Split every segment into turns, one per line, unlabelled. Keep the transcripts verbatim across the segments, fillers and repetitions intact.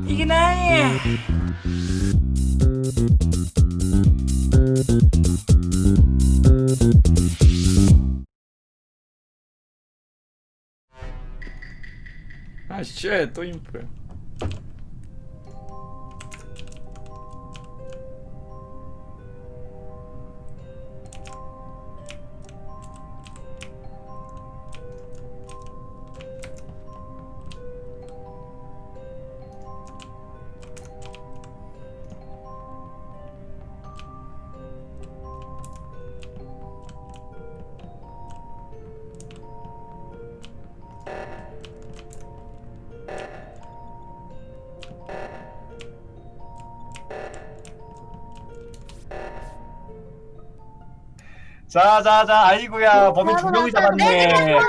이게 나야. 아, 쉣, 또 인프야. 자자자, 아이고야, 범인 두 명이 잡았네.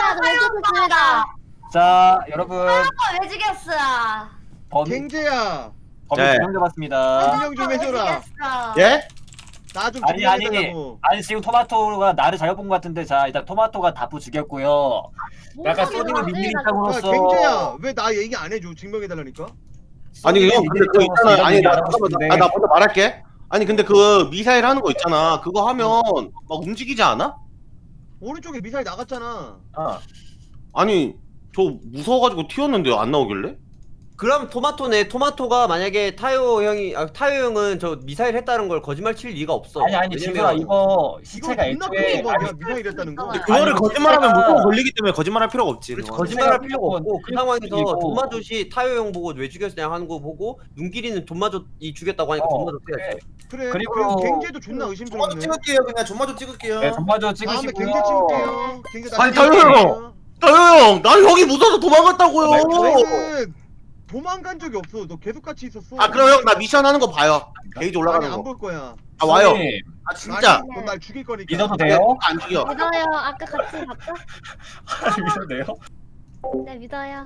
자, 여러분,
왜 죽였어?
범인
갱재야,
범인
네.
두 명 잡았습니다.
증명 좀 해줘라.
예?
나 좀
아니 아니
증명해달라고.
아니, 지금 토마토가 나를 잘못 본 것 같은데. 자, 일단 토마토가 다프 죽였고요. 약간 소니는 민민
야,
입장으로서
갱재야, 왜 나 얘기 안 해줘? 증명해달라니까?
아니 형 근데 그거 있잖아. 아니 나 잠깐만
싶은데.
나, 나 먼저 말할게. 아니 근데 그 미사일 하는 거 있잖아. 그거 하면 막 움직이지 않아?
오른쪽에 미사일 나갔잖아.
어.
아니 저 무서워가지고 튀었는데 안 나오길래?
그럼 토마토네. 토마토가 만약에 타요 형이 아, 타요 형은 저 미사일 했다는 걸 거짓말 칠 리가 없어.
아니 아니, 진솔아, 이거 시체가
이거 존나
애초에
큰 거야, 미사일 했다는 거.
근데
그거를
아니,
거짓말하면
진짜-
무조건 걸리기 때문에 거짓말할 필요가 없지.
그렇지,
그거는.
거짓말할
생각이
필요가 없고 그
있고,
상황에서
그리고-
돈마조시 타요 형 보고 왜 죽였냐 하는 거 보고 눈길이는 돈마조이 죽였다고 하니까
어,
돈마조
그래.
때렸어.
그래,
그리고-
그리고 갱재도 존나
전마저
의심스럽네.
찍을게요. 그냥 전마저 찍을게요.
네, 전마저
다음에
찍으시고요.
갱재 찍을게요. 갱재 나
아니,
찍을게요.
타요 타요 형, 난 형이 무서워서 도망갔다고요.
너는 도망간 적이 없어. 너 계속 같이 있었어.
아 그럼 형 나 미션 하는 거 봐요. 게이지 올라가는
아니,
거.
안 볼 거야.
아 와요.
손님,
아 진짜.
넌날 죽일 거니까.
믿어도 돼요?
안 죽여.
믿어요. 아까 같이 봤죠?
믿어도 돼요?
네, 믿어요.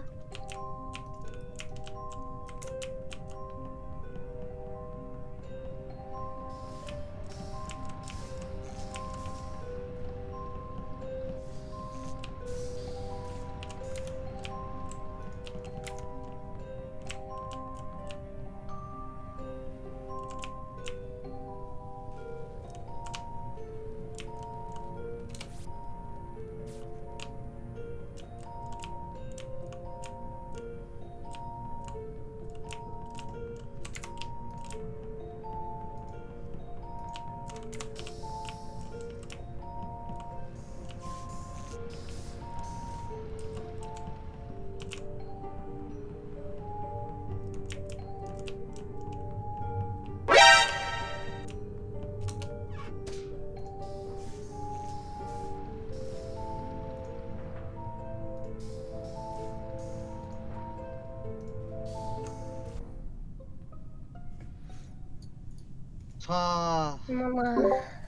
자,
어머나.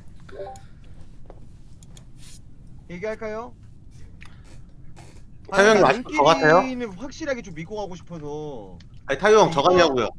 얘기할까요?
타요 형이
나
아직도 저 같아요?
눈길이는 확실하게 좀 믿고 가고 싶어서.
아니 타요 형 저갔냐고요.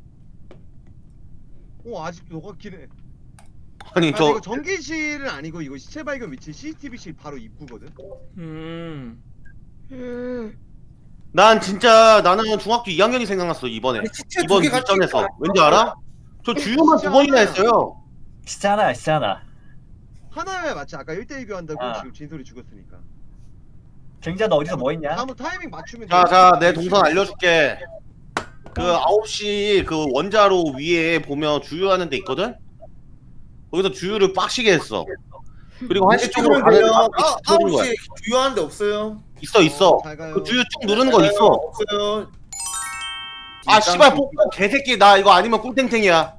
어, 아직도 너 같긴 해.
아니
아,
저
이거 전기실은 아니고 이거 시체 발견 위치 씨씨티비실 바로 입구거든.
음.
음.
난 진짜 나는 중학교 이 학년이 생각났어 이번에.
아니, 시체
이번
두개 같이
미션에서
있잖아.
왠지 알아? 저 주유만 두 번이나 했어요.
진짜 하나, 진짜 하나.
하나야 맞지? 아까 일 대일 교환다고
아.
지금 진솔이 죽었으니까.
갱자, 너 어디서 뭐 했냐?
다음 타이밍 맞추면
자,
돼.
자, 내 동선 알려줄게. 그 아홉 시 그 원자로 위에 보면 주유하는 데 있거든? 거기서 주유를 빡시게 했어. 그리고 한시 쪽으로 가는
돼요.
사람이
아,
터진 거야.
아홉 시 주요한데 없어요.
있어, 있어.
잘 가요.
그 주유 쭉 누르는 거 있어.
없어요.
아, 씨발, 뽀뽀 개새끼. 나 이거 아니면 꿀탱탱이야.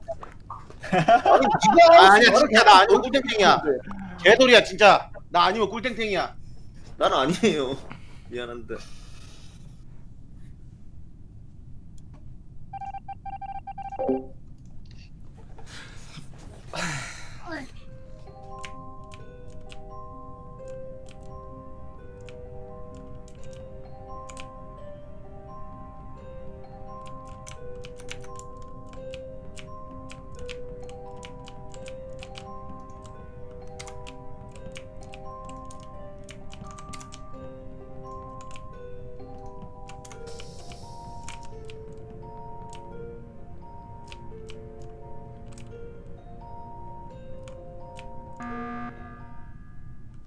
아, 아니야, 진짜 나 아니면 꿀탱탱이야. 개소리야, 진짜. 나 아니면 꿀탱탱이야.
난 아니에요. 미안한데.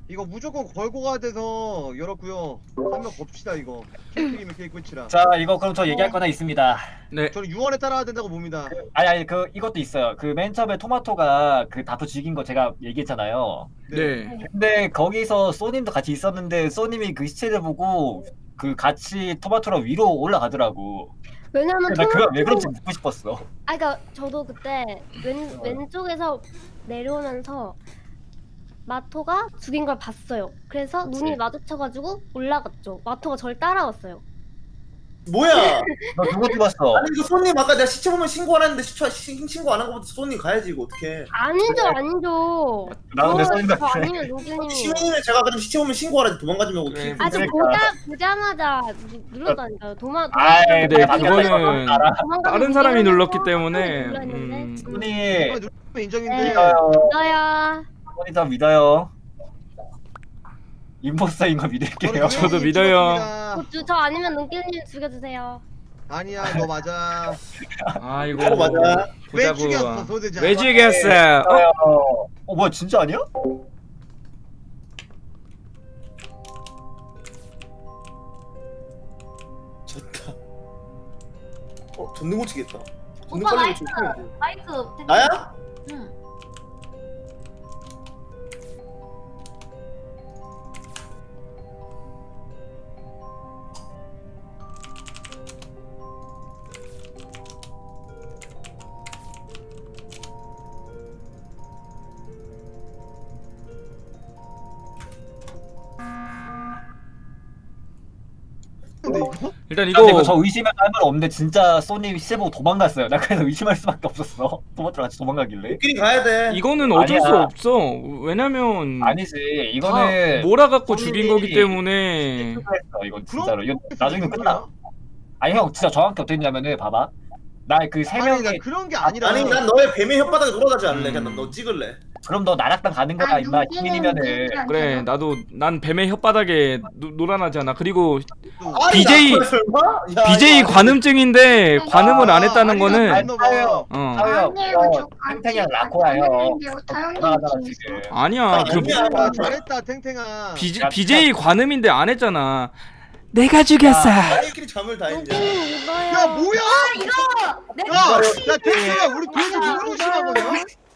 이거 무조건 걸고 가야 돼서 열었고요. 한 명 겁시다 이거. 케이크이면 케이크 끝이라.
자 이거 그럼 저 얘기할 거나 있습니다.
네.
저는 유언에 따라야 된다고 봅니다.
아니 아니 그 이것도 있어요. 그 맨 처음에 토마토가 그 다프 죽인 거 제가 얘기했잖아요.
네.
근데 거기서 소님도 같이 있었는데 소님이 그 시체를 보고 그 같이 토마토랑 위로 올라가더라고.
왜냐면
나 그거 왜
토마토-
그런지 묻고 싶었어.
아 그러니까 저도 그때 왼 왼쪽에서 내려오면서 마토가 죽인 걸 봤어요. 그래서 눈이 마주쳐가지고 올라갔죠. 마토가 절 따라왔어요.
뭐야?
너 누구 죽었어?
아니 이거 손님 아까 내가 시체 보면 신고 안 했는데 시체 신- 신고 안 한 거부터 손님 가야지 이거 어떡해.
아니죠, 아니죠.
나 근데
저-
소님
저
같아.
아니면 노길님이.
시민이면 제가 그럼 시체 보면 신고하라 도망가지 말고
그래.
키-
아저
그러니까.
보자 보자마자 누- 눌렀다니까요. 도마.
아이,
근데
방금
그거는
알아.
다른 사람이 눌렀기 때문에
음.
음,
소님
누르면 인정인데.
네.
믿어요.
믿어요.
소님 저 믿어요. 임포스터인 거 믿을게요.
저는
저도
유언이
믿어요.
찍었습니다.
저, 저, 저 아니면 눈길님 죽여주세요.
아니야 너 맞아.
아이고
어, 맞아.
왜
보자고.
죽였어 소대장?
왜 죽였어? 어?
어, 어 뭐야 진짜 아니야?
졌다. 어 전등 고치겠다. 전등
오빠
빨리
마이크.
고치면 돼.
마이크.
나야?
응.
근데 이거?
일단
이거
이거
저 의심할 말 없는데 진짜 소님 시체 보고 도망갔어요. 나 그래서 의심할 수밖에 없었어. 토마토랑 같이 도망가길래.
우끼리 가야 돼.
이거는 어쩔
아니야.
수 없어. 왜냐면
아니지
다
이거는
몰아갖고
손님이-
죽인 거기 때문에
실수했어. 이건
그럼
진짜로. 이거 나중에
뭐야?
끝나. 아니 형 진짜 정확히 어떻게 했냐면은 봐봐. 나 그 세
아니 나
명이
그런 게 아니라.
아니 난 너의 뱀의 혓바닥에 돌아가지 않을래.
음.
그냥 너 찍을래.
그럼 너 나락당 가는 거다 임마 기민이면은.
그래 나도 난 뱀의 혓바닥에 노, 놀아나잖아. 그리고
또-
비제이
나 설마? 야,
비제이
야,
관음증인데 관음을 안 했다는
아니,
거는
안 넘어.
어
사회요. 탱탱이랑 라코야요. 돌아가잖아 지금.
아니야 그
아니야.
아, 잘했다 탱탱아.
비,
야,
비제이 관음인데 안 했잖아. 내가 죽였어.
아니끼리 잠을 다 했냐?
눈길님 믿어요.
야 뭐야?
이거. 내
야, 야 탱탱아 우리 둘이서 누구로 신한 거냐?